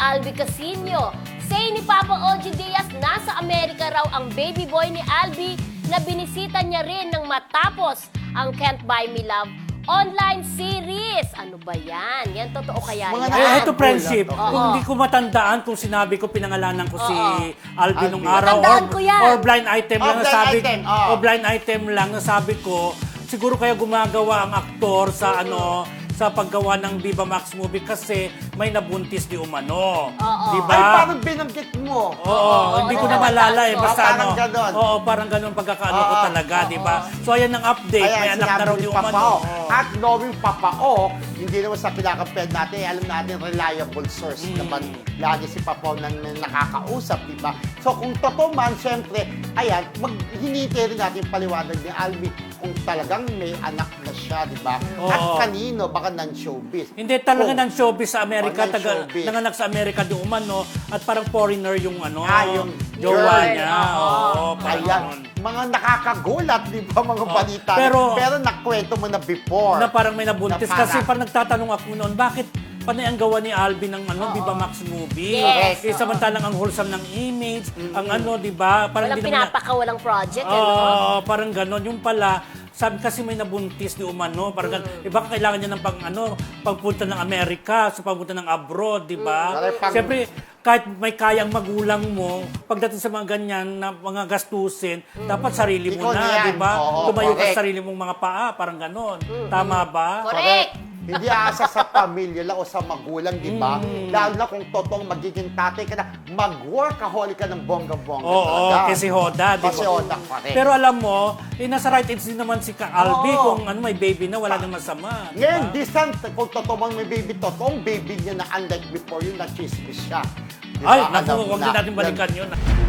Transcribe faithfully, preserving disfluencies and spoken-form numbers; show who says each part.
Speaker 1: Albi Casino. Say ni Papa O G Diaz, nasa Amerika raw ang baby boy ni Albi na binisita niya rin nang matapos ang Can't Buy Me Love online series. Ano ba yan? Yan totoo kaya
Speaker 2: Mga
Speaker 1: yan?
Speaker 2: na-
Speaker 3: Eh, ito friendship.
Speaker 1: Oo.
Speaker 3: Kung hindi ko matandaan kung sinabi ko pinangalanan ko si
Speaker 1: Oo.
Speaker 3: Alvin nung
Speaker 2: Alvin.
Speaker 3: araw
Speaker 1: Matandaan
Speaker 3: or,
Speaker 1: ko yan.
Speaker 3: or blind item
Speaker 2: Oh,
Speaker 3: lang
Speaker 2: blind
Speaker 3: nasabi
Speaker 2: item, oo.
Speaker 3: o blind item lang nasabi ko siguro kaya gumagawa ang aktor sa ano sa paggawa ng Viva Max movie kasi may nabuntis di umano.
Speaker 1: Oo.
Speaker 3: Di
Speaker 2: Ay,
Speaker 3: ba?
Speaker 2: parang binanggit mo.
Speaker 3: Oo,
Speaker 1: Oo,
Speaker 3: hindi
Speaker 1: oo,
Speaker 3: ko na
Speaker 1: oo,
Speaker 3: malala eh.
Speaker 1: oo,
Speaker 3: Basta
Speaker 2: parang
Speaker 3: ano.
Speaker 2: ganon.
Speaker 3: Oo, parang ganon pagkakaano ko
Speaker 2: Oo,
Speaker 3: talaga, di
Speaker 1: oo.
Speaker 3: ba? So, ayan ang update. May
Speaker 2: Ayan,
Speaker 3: anak na raw
Speaker 2: sinabi
Speaker 3: di
Speaker 2: ni
Speaker 3: umano.
Speaker 2: Papao.
Speaker 3: Oo.
Speaker 2: At knowing Papao, hindi naman sa kinakamped natin, eh, alam natin, reliable source
Speaker 3: Mm.
Speaker 2: naman. Lagi si Papao na, na nakakausap, di ba? So kung totoo man, syempre, ayan, mag, hinihintay rin natin paliwanag ni Albi kung talagang may anak na siya, di ba? At
Speaker 3: Oo.
Speaker 2: kanino, baka non-showbiz.
Speaker 3: Hindi talaga
Speaker 2: Kung-
Speaker 3: ng showbiz sa Amerika,
Speaker 2: Oh, ng
Speaker 3: taga,
Speaker 2: showbiz.
Speaker 3: nanganak sa Amerika di umano at parang foreigner yung ano,
Speaker 2: Ah, yung
Speaker 3: jowa
Speaker 2: girl.
Speaker 3: niya.
Speaker 1: Oo.
Speaker 3: Oo, parang
Speaker 2: Ayan,
Speaker 3: ganon.
Speaker 2: mga nakakagulat, di ba, mga
Speaker 3: Oh,
Speaker 2: balita.
Speaker 3: pero-
Speaker 2: pero nakwento mo na before.
Speaker 3: Na parang may nabuntis.
Speaker 2: Na parang-
Speaker 3: Kasi parang nagtatanong ako noon, bakit panay ang gawa ni Alvin ng ano,
Speaker 1: Oo.
Speaker 3: Viva Max movie?
Speaker 1: Yes,
Speaker 3: Eh,
Speaker 1: oo.
Speaker 3: samantalang ang wholesome ng image, ang ano, di ba? Parang
Speaker 1: Walang
Speaker 3: di naman na-
Speaker 1: pinapakawalang project,
Speaker 3: Oo,
Speaker 1: ano?
Speaker 3: parang ganon. Yung pala, sabi kasi may nabuntis di umano, parang ganon. Eh baka kailangan niya ng pang ano, pagpunta ng Amerika, sa pagpunta ng abroad, di ba?
Speaker 2: Mm. Pang-
Speaker 3: Siyempre, kahit may kayang magulang mo, pagdating sa mga ganyan na mga gastusin, dapat sarili mo
Speaker 2: Ikaw na
Speaker 3: na,
Speaker 2: yan.
Speaker 3: di ba?
Speaker 2: Oo,
Speaker 3: Tumayo ka
Speaker 2: correct.
Speaker 3: sa sarili mong mga paa, parang ganon. Tama ba?
Speaker 1: Correct.
Speaker 2: Hindi asa sa pamilya lang o sa magulang, di ba?
Speaker 3: Mm.
Speaker 2: Lalo na kung totoong magiging tatay ka na, mag-workaholic ka ng bongga-bongga
Speaker 3: Oo,
Speaker 2: talaga.
Speaker 3: kasi Hoda, di ba?
Speaker 2: Kasi Hoda, correct.
Speaker 3: Pero alam mo, eh, nasa right age din naman si Ka Albi
Speaker 2: Oo.
Speaker 3: kung ano may baby na, wala nang masama. di
Speaker 2: Ngayon,
Speaker 3: ba?
Speaker 2: distant, kung totoo mang may baby, totoong baby niya na unlike before yun, na chismis siya. Di
Speaker 3: Ay,
Speaker 2: ba?
Speaker 3: naku,
Speaker 2: Alam
Speaker 3: huwag
Speaker 2: na.
Speaker 3: din natin balikan yun.